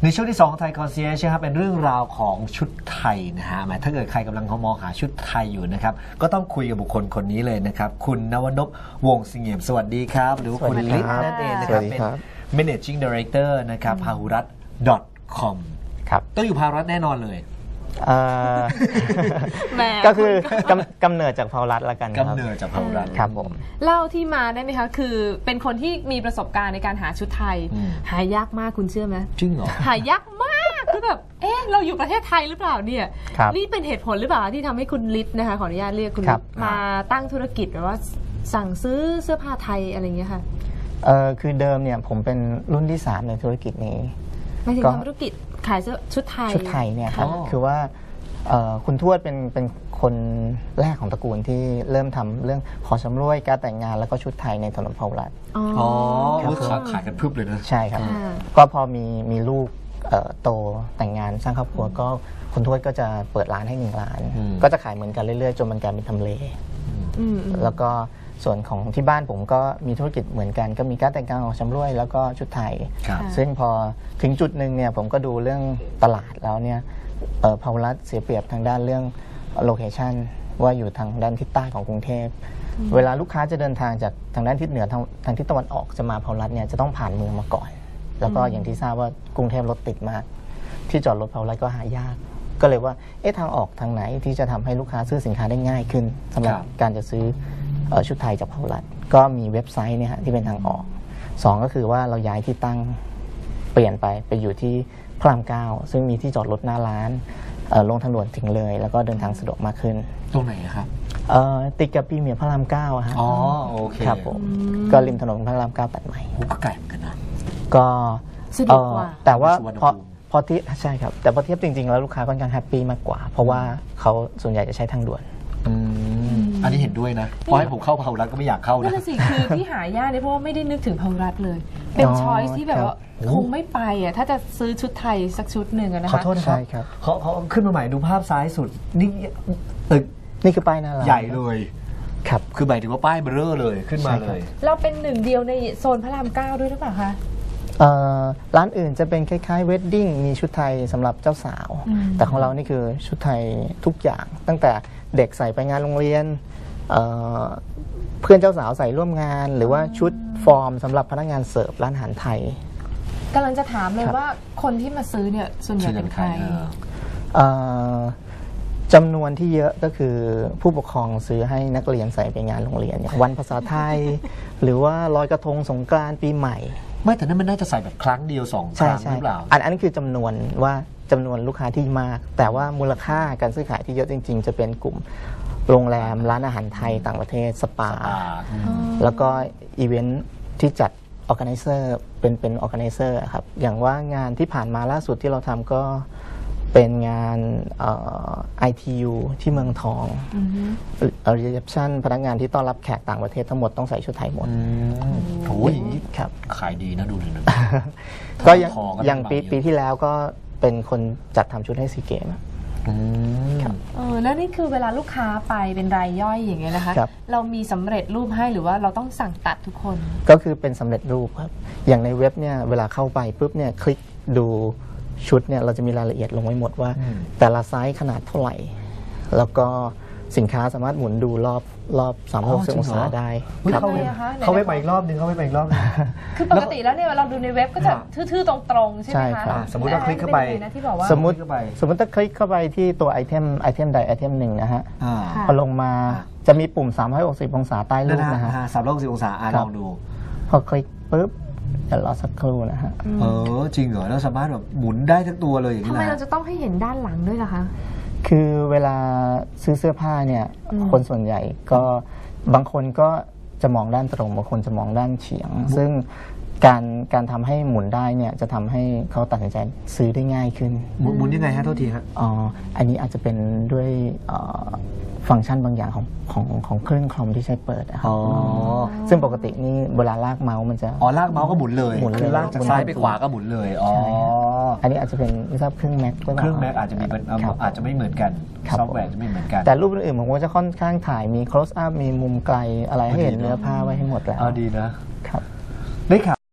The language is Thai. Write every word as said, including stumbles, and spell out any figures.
ในช่วงที่สองไทยคอนเซียร์ครับเป็นเรื่องราวของชุดไทยนะฮะหมายถ้าเกิดใครกำลังมองหาชุดไทยอยู่นะครับก็ต้องคุยกับบุคคลคนนี้เลยนะครับคุณนวนพวงศ์สิงห์เอี่ยมสวัสดีครับหรือว่าคุณลิศนั่นเองนะครับเป็น managing director นะครับพาหุรัตน์ .com ครับต้องอยู่พาหุรัตน์แน่นอนเลยก็คือกำกำเนิดจากพาหุรัตน์ละกันครับกำเนิดจากพาหุรัตน์ครับผมเล่าที่มาได้ไหมคะคือเป็นคนที่มีประสบการณ์ในการหาชุดไทยหายากมากคุณเชื่อไหมจริงเหรอหายากมากคือแบบเอ๊ะเราอยู่ประเทศไทยหรือเปล่าเนี่ยนี่เป็นเหตุผลหรือเปล่าที่ทำให้คุณฤทธิ์นะคะขออนุญาตเรียกคุณฤทธิ์มาตั้งธุรกิจแบบว่าสั่งซื้อเสื้อผ้าไทยอะไรอย่างเงี้ยค่ะเออคือเดิมเนี่ยผมเป็นรุ่นที่สามในธุรกิจนี้ไม่ถึงทำธุรกิจขายเสื้อชุดไทยชุดไทยเนี่ยครับคือว่าคุณทวดเป็นเป็นคนแรกของตระกูลที่เริ่มทำเรื่องขอชำร่วยการแต่งงานแล้วก็ชุดไทยในถนนพาหุรัตน์อ๋อขายกันพึบเลยนะใช่ครับก็พอมีมีลูกโตแต่งงานสร้างครอบครัวก็คุณทวดก็จะเปิดร้านให้หนึ่งร้านก็จะขายเหมือนกันเรื่อยๆจนมันกลายเป็นทำเลแล้วก็ส่วนของที่บ้านผมก็มีธุรกิจเหมือนกันก็มีการแต่งงานของชำร่วยแล้วก็ชุดไทยซึ่งพอถึงจุดหนึ่งเนี่ยผมก็ดูเรื่องตลาดแล้วเนี่ยพาหุรัตน์เสียเปรียบทางด้านเรื่องโลเคชันว่าอยู่ทางด้านทิศใต้ของกรุงเทพเวลาลูกค้าจะเดินทางจากทางด้านทิศเหนือทางทางทิศตะวันออกจะมาพาหุรัตน์เนี่ยจะต้องผ่านเมืองมาก่อนแล้วก็อย่างที่ทราบว่ากรุงเทพรถติดมากที่จอดรถพาหุรัตน์ก็หายากก็เลยว่าเอ๊ะทางออกทางไหนที่จะทำให้ลูกค้าซื้อสินค้าได้ง่ายขึ้นสำหรับการจะซื้อชุดไทยจากพาหุรัตน์ก็มีเว็บไซต์เนี่ยฮะที่เป็นทางออกสองก็คือว่าเราย้ายที่ตั้งเปลี่ยนไปไปอยู่ที่พระรามเก้าซึ่งมีที่จอดรถหน้าร้านลงทางด่วนถึงเลยแล้วก็เดินทางสะดวกมากขึ้นตรงไหนครับติดกับปีเมียพระรามเก้าฮะอ๋อโอเคครับผมก็ริมถนนพระรามเก้าตัดใหม่ก็ไกลเหมือนกันนะก็สะดวกกว่าแต่ว่าพอพอที่ใช่ครับแต่พอเทียบจริงๆแล้วลูกค้าค่อนข้างแฮปปี้มากกว่าเพราะว่าเขาส่วนใหญ่จะใช้ทางด่วนอันนี้เห็นด้วยนะเพราะให้ผมเข้าพาหุรัตน์ก็ไม่อยากเข้านะนั่นสิคือที่หายากเนี่ยเพราะว่าไม่ได้นึกถึงพาหุรัตน์เลยเป็นช้อยส์ที่แบบว่าคงไม่ไปอ่ะถ้าจะซื้อชุดไทยสักชุดหนึ่งนะคะขอโทษนะครับเขาเขาขึ้นมาใหม่ดูภาพซ้ายสุดนี่ตึกนี่คือป้ายหน้าร้านใหญ่เลยครับคือหมายถึงว่าป้ายเบลอเลยขึ้นมาเลยเราเป็นหนึ่งเดียวในโซนพระรามเก้าด้วยหรือเปล่าคะร้านอื่นจะเป็นคล้ายๆเวดดิ้งมีชุดไทยสำหรับเจ้าสาวแต่ของเรานี่คือชุดไทยทุกอย่างตั้งแต่เด็กใส่ไปงานโรงเรียน เ, เพื่อนเจ้าสาวใส่ร่วมงานหรือว่าชุดฟอร์มสำหรับพนักงานเสิร์ฟร้านอาหารไทยกำลังจะถามเลยว่าคนที่มาซื้อเนี่ยส่วนใหญ่เป็นใครจำนวนที่เยอะก็คือผู้ปกครองซื้อให้นักเรียนใส่ไปงานโรงเรียนอย่างวันภาษาไทย หรือว่าลอยกระทงสงกรานต์ปีใหม่ไม่แต่นั้นมันน่าจะใส่แบบครั้งเดียวสองครั้งหรือเปล่าอันอันนี้คือจำนวนว่าจำนวนลูกค้าที่มากแต่ว่ามูลค่าการซื้อขายที่เยอะจริงๆจะเป็นกลุ่มโรงแรมร้านอาหารไทยต่างประเทศสปาแล้วก็อีเวนท์ที่จัดออร์แกไนเซอร์เป็นเป็นออร์แกไนเซอร์ครับอย่างว่างานที่ผ่านมาล่าสุดที่เราทำก็เป็นงานไอทียูที่เมืองทองรีเซพชันพนักงานที่ต้อนรับแขกต่างประเทศทั้งหมดต้องใส่ชุดไทยหมดโอ้ยครับขายดีนะดูเลยนะก็อย่างปีปีที่แล้วก็เป็นคนจัดทำชุดให้ซีเกมครับเออแล้วนี่คือเวลาลูกค้าไปเป็นรายย่อยอย่างเงี้ยนะคะเรามีสำเร็จรูปให้หรือว่าเราต้องสั่งตัดทุกคนก็คือเป็นสำเร็จรูปครับอย่างในเว็บเนี่ยเวลาเข้าไปปุ๊บเนี่ยคลิกดูชุดเนี่ยเราจะมีรายละเอียดลงไว้หมดว่าแต่ละไซส์ขนาดเท่าไหร่แล้วก็สินค้าสามารถหมุนดูรอบรอบสามร้อยหกสิบองศาได้เข้าเว็บเข้าเว็บไปอีกรอบนึงเข้าเว็บไปอีกรอบนึงคือปกติแล้วเนี่ยเราดูในเว็บก็จะทื่อๆตรงๆใช่ไหมคะสมมติเราคลิกเข้าไปสมมติสมมติถ้าคลิกเข้าไปที่ตัวไอเทมไอเทมใดไอเทมหนึ่งนะฮะพอลงมาจะมีปุ่มสามร้อยหกสิบองศาใต้รูปนะฮะสามร้อยหกสิบองศาลองดูพอคลิกปุ๊บเดี๋ยวรอสักครู่นะฮะเออจริงเหรอแล้วสามารถแบบหมุนได้ทั้งตัวเลยอย่างนี้ทำไมเราจะต้องให้เห็นด้านหลังด้วยล่ะคะคือเวลาซื้อเสื้อผ้าเนี่ยคนส่วนใหญ่ก็บางคนก็จะมองด้านตรงบางคนจะมองด้านเฉียงซึ่งการการทำให้หมุนได้เนี่ยจะทำให้เขาตัดสินใจซื้อได้ง่ายขึ้นหมุนยังไงฮะโทษทีฮะอ๋ออันนี้อาจจะเป็นด้วยฟังก์ชันบางอย่างของของของเครื่องคอมที่ใช้เปิดนะครับซึ่งปกตินี่เวลาลากเมาส์มันจะอ๋อลากเมาส์ก็หมุนเลยหมุนเลยลากจากซ้ายไปขวาก็หมุนเลยอ๋ออันนี้อาจจะเป็นไม่ทราบเครื่องแม็กเครื่องแม็กอาจจะมีอาจจะไม่เหมือนกันซอฟต์แวร์จะไม่เหมือนกันแต่รูปอื่นๆผมว่าจะค่อนข้างถ่ายมี close up มีมุมไกลอะไรให้เห็นเนื้อผ้าไว้ให้หมดแล้วดีนะครับได้ข่าว